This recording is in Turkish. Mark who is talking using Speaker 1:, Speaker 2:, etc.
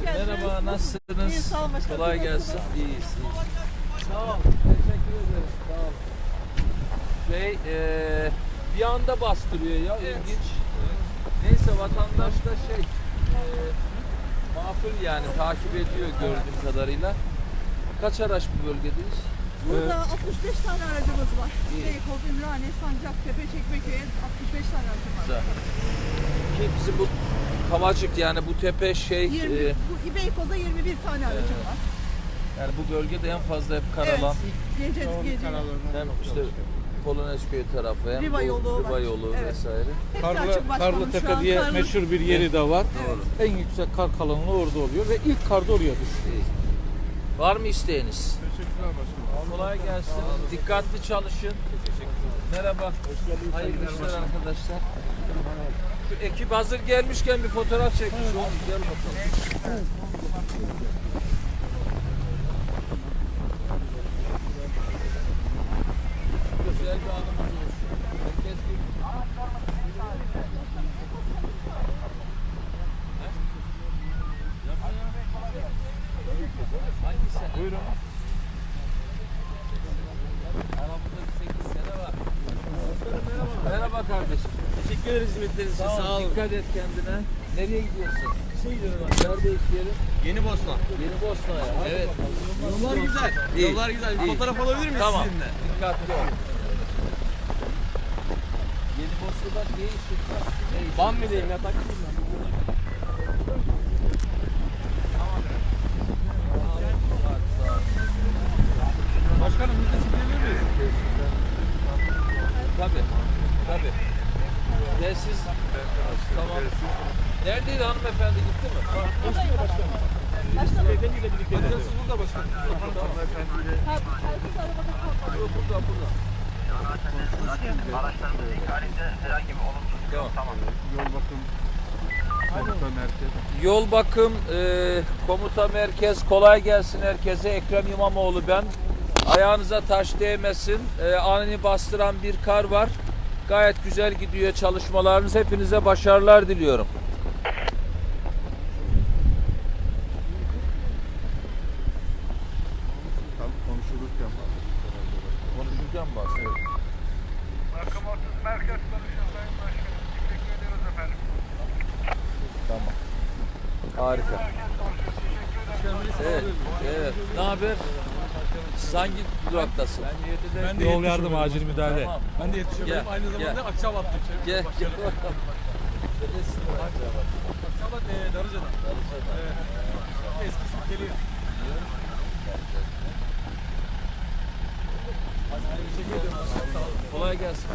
Speaker 1: geldiniz.
Speaker 2: Merhaba, nasılsınız?
Speaker 1: İyi, sağ olun başkanım.
Speaker 2: Kolay gelsin.
Speaker 1: Nasılsınız?
Speaker 2: İyiyiz. Sağ ol. Teşekkür ederim. Sağ ol. Bir anda bastırıyor ya. İlginç. Neyse vatandaş da makul yani takip ediyor gördüğüm kadarıyla. Kaç araç bu bölgedeyiz?
Speaker 1: Burada 65 tane aracımız var. Beykoz, Ümraniye, Sancaktepe, Çekmeköy'e 65 tane aracım var.
Speaker 2: Güzel. Ki bizim bu Kavacık yani bu tepe
Speaker 1: 20, bu Beykoz'da 21 tane aracım var.
Speaker 2: yani bu bölgede en fazla hep Karalan.
Speaker 1: Evet. Gece.
Speaker 2: Hem işte Polonezköy tarafı hem
Speaker 1: Riva
Speaker 2: bu
Speaker 1: yolu
Speaker 2: Riva
Speaker 1: var.
Speaker 2: yolu
Speaker 1: Evet.
Speaker 2: vesaire.
Speaker 1: Hepsi açık başkanım.
Speaker 3: Karlı
Speaker 1: Şu
Speaker 3: Tepe
Speaker 1: an
Speaker 3: diye
Speaker 1: Karlı-
Speaker 3: meşhur bir yeri de var.
Speaker 2: Doğru.
Speaker 3: En yüksek kar kalınlığı orada oluyor ve ilk kar da oraya düşüyor.
Speaker 2: İyi. Var mı isteğiniz?
Speaker 3: Teşekkürler başkanım.
Speaker 2: Kolay gelsin. Dikkatli çalışın. Merhaba. Hayırlı işler arkadaşlar. Şu ekip hazır gelmişken bir fotoğraf çekmiş olduk. Gel bakalım. Güzel bir anımız olsun. Herkes bir... Hangisi? Buyurun. Aramızda 8 sene var. Merhaba kardeşim.
Speaker 4: Teşekkür ederiz hizmetleriniz için. Sağ olun.
Speaker 2: Dikkat et kendine. Nereye gidiyorsun?
Speaker 4: Gidiyorum abi.
Speaker 2: Nerede iş yerin?
Speaker 4: Yeni Bosna.
Speaker 2: Yeni Bosna'ya. Hadi
Speaker 4: Evet.
Speaker 2: bakalım.
Speaker 4: Yollar güzel.
Speaker 2: İyi.
Speaker 4: Yollar güzel. Bir
Speaker 2: İyi.
Speaker 4: fotoğraf alabilir miyiz
Speaker 2: Tamam.
Speaker 4: sizinle?
Speaker 2: Dikkatli ol. Yeni Bosna'da ne işin var? Ne işin?
Speaker 4: Bambi'deyim ya. Takipteyim ben. Başkanım biz de çekilebilir miyiz?
Speaker 2: Tabii. Tabii. Ve siz... Tamam. Neredeydi hanımefendi gitti mi?
Speaker 4: Beyefendiyle birlikte. Siz burada başkanım.
Speaker 2: Yok burada burada.
Speaker 5: Araçlarımızın ikhalinde herhangi bir olumsuzluk yok. Tamam.
Speaker 2: Yol bakım komuta merkez kolay gelsin herkese. Ekrem İmamoğlu ben. Ayağınıza taş değmesin. Anını bastıran bir kar var. Gayet güzel gidiyor çalışmalarınız. Hepinize başarılar diliyorum.
Speaker 3: Konuşulurken
Speaker 2: Konuşurken bahsediyorum.
Speaker 5: Bakım 30 merkez konuşuyor Sayın Başkanım. Teşekkür ediyoruz efendim.
Speaker 2: Tamam. Harika. Evet. Evet. Ne haber? Hangi duraktasın?
Speaker 3: ben de yol yardım acil müdahale.
Speaker 2: Tamam.
Speaker 4: Ben de yetişiyorum.
Speaker 2: Gel,
Speaker 4: Aynı zamanda
Speaker 2: gel.
Speaker 4: Akçabat'tayım.
Speaker 2: Gel. Gel. Neresin?
Speaker 4: Akçabat Darıca'dan. Eskisi geliyor.
Speaker 2: Kolay gelsin.